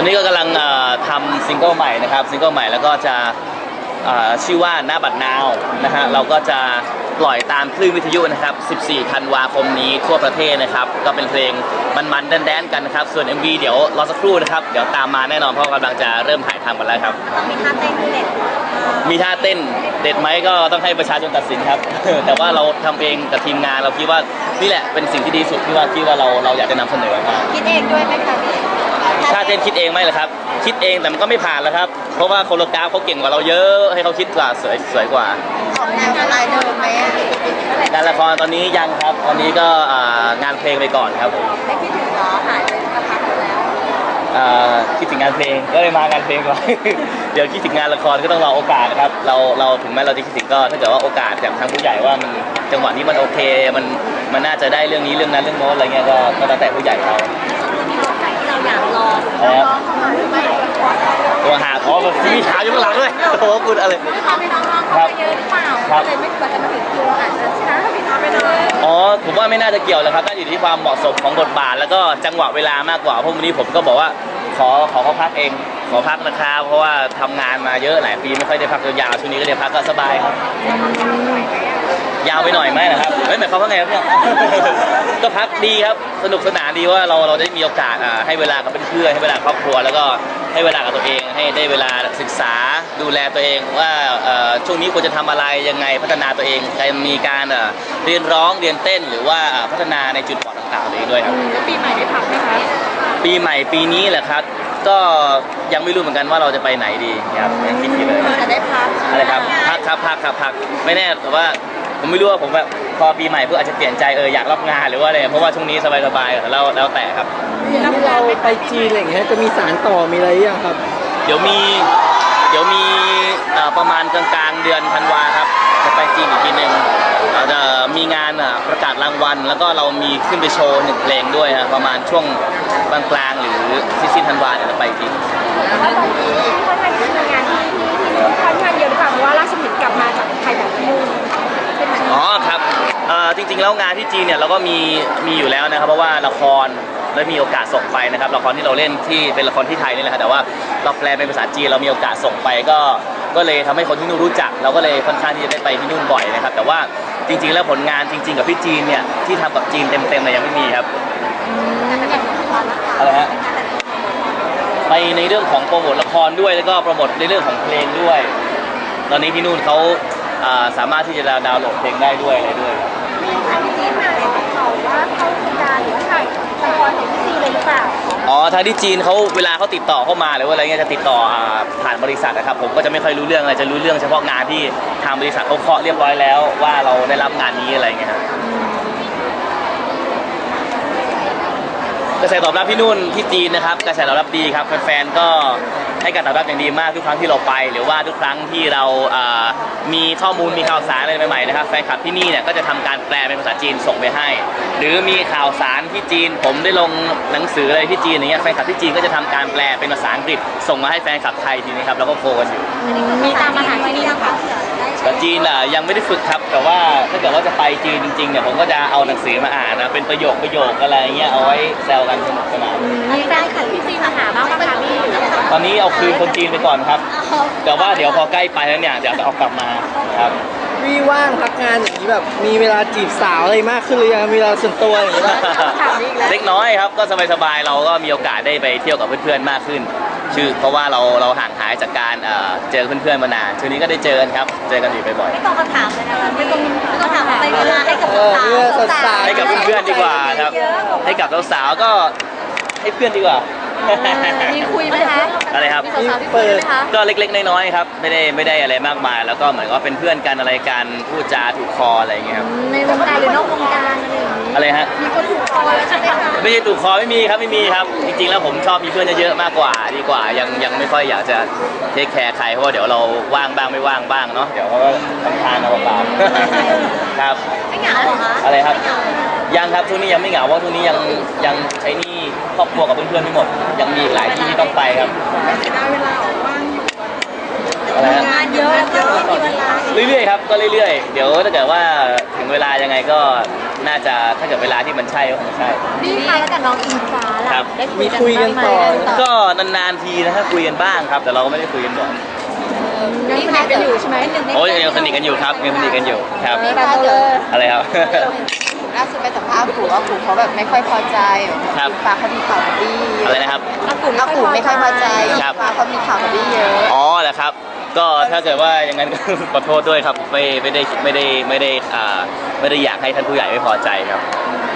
อนนี้ก็กำลังทำซิงเกิลใหม่นะครับซิงเกิลใหม่แล้วก็จะชื่อว่าหน้าบัดนาวนะฮะเราก็จะปล่อยตามคลื่นวิทยุนะครับ14 ธันวาคมนี้ทั่วประเทศนะครับก็เป็นเพลงมันๆแดนๆกันนะครับส่วน MV เดี๋ยวรอสักครู่นะครับเดี๋ยวตามมาแน่นอนเพราะกำลังจะเริ่มถ่ายทำกันแล้วครับมีท่าเต้นเด็ดมีท่าเต้นเด็ดไหมก็ต้องให้ประชาชนตัดสินครับ แต่ว่าเราทำเองกับทีมงานเราคิดว่านี่แหละเป็นสิ่งที่ดีสุดที่ว่าเราอยากจะนำเสนอมาคิดเองด้วยไหมคะพี่ท่าเต้นคิดเองไหมล่ะครับคิดเองแต่มันก็ไม่ผ่านแล้วครับเพราะว่าโคโรกราฟเขาเก่งกว่าเราเยอะให้เขาคิดกว่าสวยกว่าของแนวอะไรเดิมไหมงานละครตอนนี้ยังครับตอนนี้ก็งานเพลงไปก่อนครับผมไม่คิดถึงหรอหายไปสักพักแล้วคิดถึงงานเพลงก็เลยมางานเพลงก่อน เดี๋ยวคิดถึงงานละครก็ต้องรอโอกาสนะครับเราถึงแม้เราจะคิดถึงก็ถ้าเกิดว่าโอกาสจากทางผู้ใหญ่ว่ามันจังหวะนี้มันโอเคมันน่าจะได้เรื่องนี้เรื่องนั้นเรื่องโน้นอะไรเงี้ยก็แล้วแต่ผู้ใหญ่เขาที่เราอยากรอน้องเข้ามาหรือไม่ตัวหาขอแบบมีขาอยู่ข้างหลังด้วยโอ้โหคุณอะไรไม่น้องๆเข้ามาเยอะหรือเปล่าเลยไม่ควรจะมาถึงคิวอาจจะช้าผิดพลาดไปเลยผมว่าไม่น่าจะเกี่ยวเลยครับน่าอยู่ที่ความเหมาะสมของบทบาทแล้วก็จังหวะเวลามากกว่าเพราะวันนี้ผมก็บอกว่าขอเขาพักเองขอพักนะครับเพราะว่าทำงานมาเยอะหลายปีไม่ค่อยได้พักยาวช่วงนี้ก็ได้พักก็สบายครับยาวไปหน่อยไหมนะครับหมายความว่าไงครับเนี่ยก็พักดีครับสนุกสนานดีว่าเราได้มีโอกาสให้เวลากับเพื่อนให้เวลาครอบครัวแล้วก็ให้เวลากับตัวเองให้ได้เวลาศึกษาดูแลตัวเองว่าช่วงนี้ควรจะทำอะไรยังไงพัฒนาตัวเองมีการเรียนร้องเรียนเต้นหรือว่าพัฒนาในจุดบอดต่างๆตัวเองด้วยครับปีใหม่ได้พักไหมคะปีใหม่ปีนี้แหละครับก็ยังไม่รู้เหมือนกันว่าเราจะไปไหนดีครับยังคิดอยู่เลยจะได้พักอะไรครับพักไม่แน่แต่ว่าผมไม่รู้ว่าผมแบบพอปีใหม่เพื่ออาจจะเปลี่ยนใจอยากรับงานหรือว่าอะไรเพราะว่าช่วงนี้สบายๆแล้วแต่ครับเราไปจีนอะไรอย่างเงี้ยจะมีสารต่อมีอะไรยังครับเดี๋ยวมีประมาณกลางๆเดือนธันวาครับจะไปจีนอีกทีหนึ่งเราจะมีงานประกาศรางวัลแล้วก็เรามีขึ้นไปโชว์1 เพลงด้วยฮะประมาณช่วงกลางๆหรือสิ้นธันวาเดี๋ยวจะไปจีนว่าตอนนี้ค่อนข้างที่มีงานที่ค่อนข้างเยอะหรือเปล่าเพราะว่าราชบุตรกลับมาจากไทยแบบนู่นครับจริงๆแล้วงานที่จีนเนี่ยเราก็มีอยู่แล้วนะครับเพราะว่าละครได้มีโอกาสส่งไปนะครับละครที่เราเล่นที่เป็นละครที่ไทยนี่แหละครับแต่ว่าเราแปลเป็นภาษาจีนเรามีโอกาสส่งไปก็เลยทำให้คนที่นู่นรู้จักเราก็เลยค่อนข้างที่จะได้ไปที่นู่นบ่อยนะครับแต่ว่าจริงๆแล้วผลงานจริงๆกับพี่จีนเนี่ยที่ทำกับจีนเต็มๆเลยยังไม่มีครับอะไรฮะไปในเรื่องของโปรโมทละครด้วยแล้วก็โปรโมทในเรื่องของเพลงด้วยตอนนี้ที่นู่นเขาสามารถที่จะดาวน์โหลดเพลงได้ด้วยอะไรด้วยที่จีนมาเนี่ยเขาว่าเขาเป็นการหรือว่าถ่ายละครของที่จีนเลยหรือเปล่าทางที่จีนเขาเวลาเขาติดต่อเข้ามาหรือว่าอะไรเงี้ยจะติดต่อผ่านบริษัทนะครับผมก็จะไม่ค่อยรู้เรื่องอะไรจะรู้เรื่องเฉพาะงานที่ทางบริษัทเขาเคาะเรียบร้อยแล้วว่าเราได้รับงานนี้อะไรเงี้ยครับกระแสตอบรับที่นู่นที่จีนนะครับกระแสตอบรับดีครับแฟนๆก็ให้การตอบรับอย่างดีมากทุกครั้งที่เราไปหรือว่าทุกครั้งที่เรามีข้อมูลมีข่าวสารอะไรใหม่ๆนะครับแฟนคลับที่นี่เนี่ยก็จะทำการแปลเป็นภาษาจีนส่งไปให้หรือมีข่าวสารที่จีนผมได้ลงหนังสืออะไรที่จีนอย่างเงี้ยแฟนคลับที่จีนก็จะทำการแปลเป็นภาษาอังกฤษส่งมาให้แฟนคลับไทยทีนี้ครับแล้วก็โคกันอยู่มีตามมาหาที่นี่นะคะแต่จีนยังไม่ได้ฝึกครับแต่ว่าถ้าเกิดว่าจะไปจีนจริงๆเนี่ยผมก็จะเอาหนังสือมาอ่านนะเป็นประโยคอะไรเงี้ยเอาไว้แซวกันสนุกสนานมีแฟนคลับที่จีนมาหาบ้างไหมคะพี่ตอนนี้เอาคืนคนจีนไปก่อนครับแต่ว่าเดี๋ยวพอใกล้ไปแล้วเนี่ยเดี๋ยวจะเอากลับมาครับพี่ว่างพักงานอย่างนี้แบบมีเวลาจีบสาวอะไรมากขึ้นหรือยังมีเวลาส่วนตัวอย่างนี้เล็กน้อยครับก็สบายๆเราก็มีโอกาสได้ไปเที่ยวกับเพื่อนๆมากขึ้นเพราะว่าเราห่างหายจากการเจอเพื่อนๆมานานช่วงนี้ก็ได้เจอกันครับเจอกันอยู่บ่อยๆไม่ต้องคำถามเลยนะคะไม่ต้องถามไปเวลาให้กับสาวให้กับเพื่อนๆดีกว่าครับให้กับสาวๆก็ให้เพื่อนดีกว่ามีคุยไหมคะอะไรครับก็เล็กๆน้อยๆครับไม่ได้อะไรมากมายแล้วก็เหมือนว่าเป็นเพื่อนกันอะไรกันพูดจาถูกคออะไรอย่างเงี้ยครับในวงการหรือนอกวงการอะไรฮะมีคนถูกคอแล้วใช่ไหมคะไม่ใช่ถูกคอไม่มีครับจริงๆแล้วผมชอบมีเพื่อนเยอะๆมากกว่าดีกว่ายังไม่ค่อยอยากจะเทคแคร์ใครเพราะว่าเดี๋ยวเราว่างบ้างไม่ว่างบ้างเนาะเดี๋ยวเขาก็ทำทานเอาเปล่าครับไม่เหงาเหรอคะอะไรครับยังครับช่วงนี้ยังไม่เหงาเพราะช่วงนี้ยังใช้หนี้ครอบครัวกับเพื่อนๆไม่หมดยังมีหลายที่ที่ต้องไปครับไม่เสียดายเวลาออกว่างอยู่อะไรฮะงานเยอะแล้วก็ไม่มีเวลาเรื่อยๆครับก็เรื่อยๆเดี๋ยวถ้าเกิดว่าถึงเวลายังไงก็น่าจะถ้าเกิดเวลาที่มันใช่ก็คงใช่นี่ค่ะแล้วกับน้องอิงฟ้าล่ะครับได้มีคุยกันต่อก็นานๆทีนะถ้าคุยกันบ้างครับ แต่เราก็ไม่ได้คุยกันบ่อยยังสนิทกันอยู่ใช่ไหมโอ้ยยังสนิทกันอยู่ครับยังสนิทกันอยู่ครับนี่ค่ะเลยอะไรครับล่าสุดไปสัมภาษณ์ปู่ว่าปู่เขาแบบไม่ค่อยพอใจครับฟ้าเขามีข่าวกับบี้อะไรนะครับอากูเอาปู่ไม่ค่อยพอใจครับฟ้าเขามีข่าวกับบี้เยอะอ๋อแหละครับ ก็ถ้าเกิดว่าอย่างนั้นก็ ขอโทษด้วยครับไม่ได้อยากให้ท่านผู้ใหญ่ไม่พอใจครับ